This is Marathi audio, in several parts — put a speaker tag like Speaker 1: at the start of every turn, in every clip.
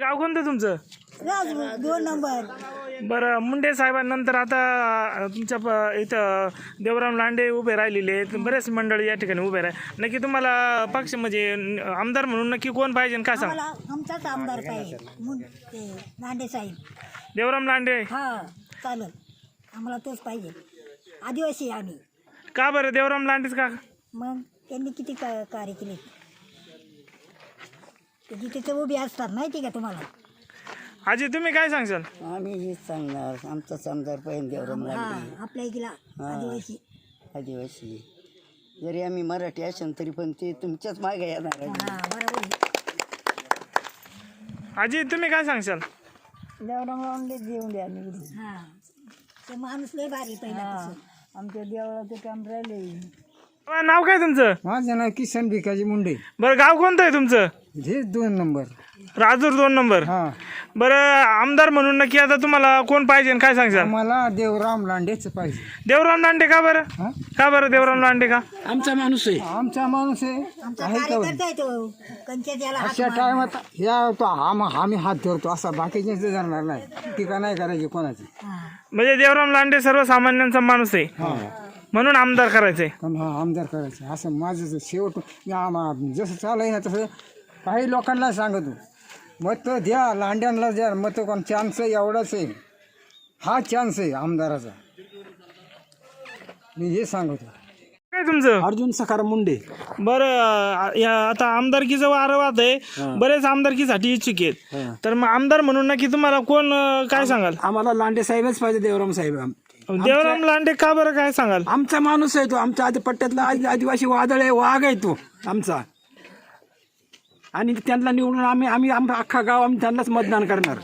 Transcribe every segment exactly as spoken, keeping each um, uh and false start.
Speaker 1: गाव कोणतं तुमचं?
Speaker 2: दोन नंबर.
Speaker 1: बरं, मुंडे साहेबांनंतर आता तुमच्या प- इथं देवराम लांडे उभे राहिलेले आहेत, बरेच मंडळी या ठिकाणी उभे राहिले. नक्की तुम्हाला पक्ष म्हणजे आमदार म्हणून नक्की कोण पाहिजे काय सांग?
Speaker 2: आम्हाला आमचाच आमदार पाहिजे, मुं- ते लांडे साहेब.
Speaker 1: देवराम लांडे.
Speaker 2: हा चालेल, आम्हाला तोच पाहिजे. आदिवासी आम्ही.
Speaker 1: का बरं देवराम लांडेच का?
Speaker 2: मग त्यांनी किती का कार्य केले ते जिथे ते उभे असतात माहिती का तुम्हाला?
Speaker 1: आजी तुम्ही काय सांगशाल?
Speaker 3: आम्ही हेच सांगणार, आमचाच आमदार पाहिजे देवराम
Speaker 2: हा
Speaker 3: लांडे.
Speaker 2: आपल्या इकडला आदिवासी.
Speaker 3: आदिवासी जरी आम्ही मराठी असेल तरी पण ते तुमच्याच मागे येणार आहे.
Speaker 2: हा बरोबर.
Speaker 1: आजी तुम्ही काय सांगशाल?
Speaker 3: देवराम लांडे देऊन द्या निवडून.
Speaker 2: हा ते माणूस लय भारी पहिला.
Speaker 3: आमच्या देवळाचं काम राहिले.
Speaker 1: नाव काय तुमचं?
Speaker 4: माझं नाव किसन भिकाजी मुंडे.
Speaker 1: बरं, गाव कोणतं आहे तुमचं?
Speaker 4: हेच दोन नंबर.
Speaker 1: राजूर दोन नंबर.
Speaker 4: हा,
Speaker 1: बरं, आमदार म्हणून नक्की आता तुम्हाला कोण पाहिजे काय सांगशाल?
Speaker 4: मला देवराम लांडेच पाहिजे.
Speaker 1: देवराम लांडे का बरं?
Speaker 4: हा?
Speaker 1: का बरं देवराम लांडे का?
Speaker 4: आमचा माणूस आहे. आमचा माणूस आहे.
Speaker 2: आमचा
Speaker 4: आहे का?
Speaker 2: कार्यकर्ता आहे तो. कंच्या त्याला हात
Speaker 4: अशा
Speaker 2: मारला.
Speaker 4: टायमात ह्या तो आम आम्ही हात धरतो असा बाकीचे जाणार नाही. टीका नाही करायची कोणाची.
Speaker 2: हा.
Speaker 1: म्हणजे देवराम लांडे सर्वसामान्यांचा माणूस आहे
Speaker 4: हा,
Speaker 1: म्हणून आमदार करायचंय.
Speaker 4: पण हा आमदार करायचं असं माझं जे शेवट मी आम- जसं चालू आहे ना तसं काही लोकांना सांगतो, मत द्या लांड्यांना द्या मत. कोण चान्स एवढाच आहे, हा चान्स आहे आमदाराचा. मी हे सांगतो.
Speaker 1: काय तुमचं?
Speaker 5: अर्जुन सखाराम मुंडे.
Speaker 1: बरं, या आता आमदारकीचं वारं वाद आहे, बरेच आमदारकीसाठी इच्छुक आहेत, तर मग आमदार म्हणून नक्की तुम्हाला कोण अं, काय सांगाल?
Speaker 5: आम्हाला लांडे साहेबच पाहिजे, देवराम साहेब.
Speaker 1: देवराम लांडे का बरं काय सांगाल?
Speaker 5: आमचा माणूस आहे तो, आमच्या आधी पट्ट्यातला आदि- आदिवासी वादळ आहे, वाघ आहे तो आमचा. आणि त्यांना निवडून आम्ही आम्ही आमचा अख्खा गाव आम्ही त्यांनाच मतदान करणार.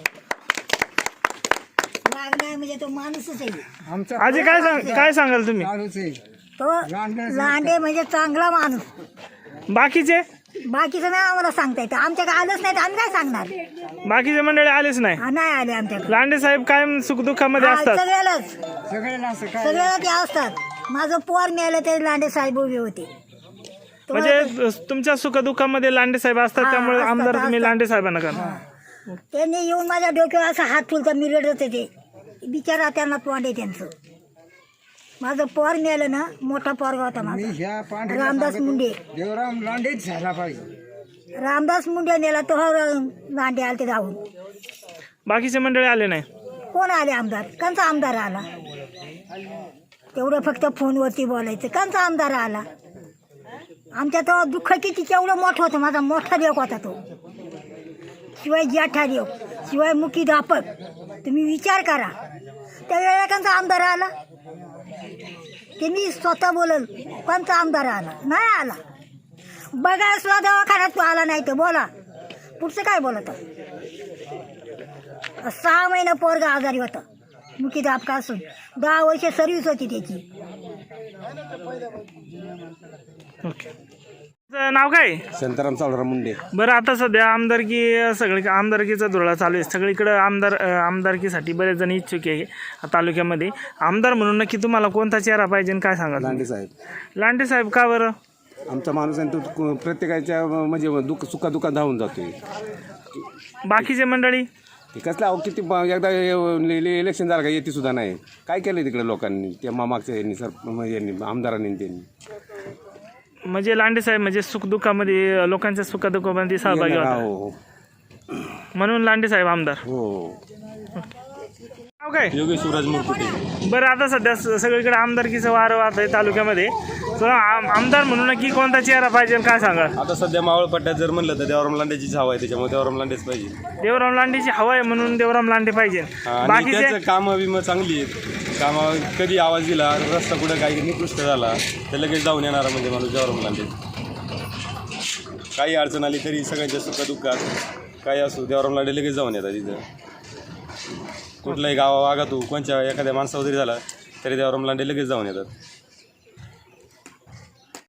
Speaker 2: वागणार म्हणजे तो माणूसच आहे.
Speaker 4: आमचा
Speaker 1: आजी काय सांग काय सांगाल तुम्ही?
Speaker 4: चालूच आहे.
Speaker 2: तो लांडे म्हणजे चांगला माणूस.
Speaker 1: बाकीचे
Speaker 2: बाकीचं नाही आम्हाला सांगता येतं. आमच्याकडे आलंच नाही तर आम्ही काय सांगणार?
Speaker 1: बाकीचे मंडळी आलेच नाही.
Speaker 2: हा, नाही आले आमच्याकडे.
Speaker 1: लांडे साहेब कायम सुखदुःखामध्ये
Speaker 2: हा,
Speaker 1: असतात.
Speaker 2: सगळ्यालाच
Speaker 4: सगळ्यांना असं काय
Speaker 2: सगळ्याला ते असतात. माझं पोर मिळालं ते लांडे साहेब उभे होते. तो-
Speaker 1: म्हणजे तुमच्या सुखदुःखामध्ये लांडे साहेब असतात,
Speaker 2: हा,
Speaker 1: त्यामुळे
Speaker 2: असतात,
Speaker 1: आमदार तुम्ही
Speaker 2: असतात.
Speaker 1: लांडे साहेबांना करा.
Speaker 2: त्यांनी येऊन माझ्या डोक्यावर असं हात फुलका मी रडत होते. बिचारा त्यांना तोंड आहे त्यांचं. माझं पोर मिळालं ना, मोठा पोरगा होता
Speaker 4: मी
Speaker 2: माझा,
Speaker 4: ह्या पांढऱ्या
Speaker 2: रामदास मुंडे.
Speaker 4: देवराम लांडेच झाला पाहिजे.
Speaker 2: रामदास मुंडे नेला तो हा लांडे आले ते धावून.
Speaker 1: बाकीचे मंडळी आले नाही.
Speaker 2: कोण आले आमदार? कंचा आमदार आला? तेवढं फक्त फोनवरती बोलायचं. कंचा आमदार आला? आमच्या तो दुःख किती केवढं मोठं होतं. माझा मोठा देव होता तो. शिवाय जेठा देव, शिवाय मुखी दापक. तुम्ही विचार करा, त्यावेळेला कंचा आमदार आला? ते मी स्वतः बोलल, कोणता आमदार आला? नाही आला. बघा सुद्धा दवाखान्यात तो आला नाही तर बोला पुढचं काय बोलत. सहा महिने पोरगा आजारी होता, मुखी दापका असून. दहा वर्ष सर्व्हिस होती त्याची.
Speaker 1: ओके, नाव काय?
Speaker 5: शांताराम सावळराम मुंडे.
Speaker 1: बरं, आता सध्या आमदारकी सगळी आमदारकीचा धुळा चालू आहे सगळीकडे. आमदार आमदारकीसाठी बरेच जण इच्छुक आहे तालुक्यामध्ये. आमदार म्हणून नक्की तुम्हाला कोणता चेहरा पाहिजे आणि काय सांगाल?
Speaker 5: लांडे साहेब.
Speaker 1: लांडे साहेब का बरं?
Speaker 5: आमचा माणूस आहे तो प्रत्येकाच्या म्हणजे दुःख सुखादुखात धावून जातोय.
Speaker 1: बाकीचे मंडळी
Speaker 5: ते कसलं अहो किती ब- एकदा इलेक्शन झालं का येते सुद्धा नाही. काय केलं तिकडे लोकांनी, त्या मागच्या यांनी सर यांनी आमदारांनी त्यांनी.
Speaker 1: म्हणजे लांडे साहेब म्हणजे सुखदुःखामध्ये लोकांच्या सुखदुःखामध्ये सहभागी
Speaker 5: येणार,
Speaker 1: होतात,
Speaker 5: हो
Speaker 1: म्हणून लांडे साहेब आमदार.
Speaker 5: हो.
Speaker 1: नाव काय?
Speaker 5: योगेश शिवराज मुरकुटे.
Speaker 1: बरं, आता सध्या स- सगळीकडे आमदारकीचं वारं वाहत आहे तालुक्यामध्ये, तर आम- आमदार म्हणून नक्की कोणता चेहरा पाहिजे आणि काय सांगा?
Speaker 6: आता सध्या मावळ पट्ट्यात जर म्हणलं तर देवराम लांडेचीच हवा आहे, त्याच्यामुळे देवराम लांडेच पाहिजे.
Speaker 1: देवराम लांडेची हवा आहे म्हणून देवराम लांडे पाहिजे.
Speaker 6: आणि
Speaker 1: बाकीचे
Speaker 6: त्याचं कामं विमं चांगली आहेत. कामं कधी आवाज दिला, रस्ता कुठं काही निकृष्ट झाला तर लगेच जाऊन येणारा म्हणजे माणूस देवराम लांडे. काही अडचण आली तरी सगळ्यांच्या सुखदुःखात काही असो देवराम लांडे लगेच जाऊन येतात तिथं. कुठल्याही गावा वागातू कोणच्या एखाद्या माणसावर जरी झाला तरी देवराम लांडे लगेच जाऊन येतात.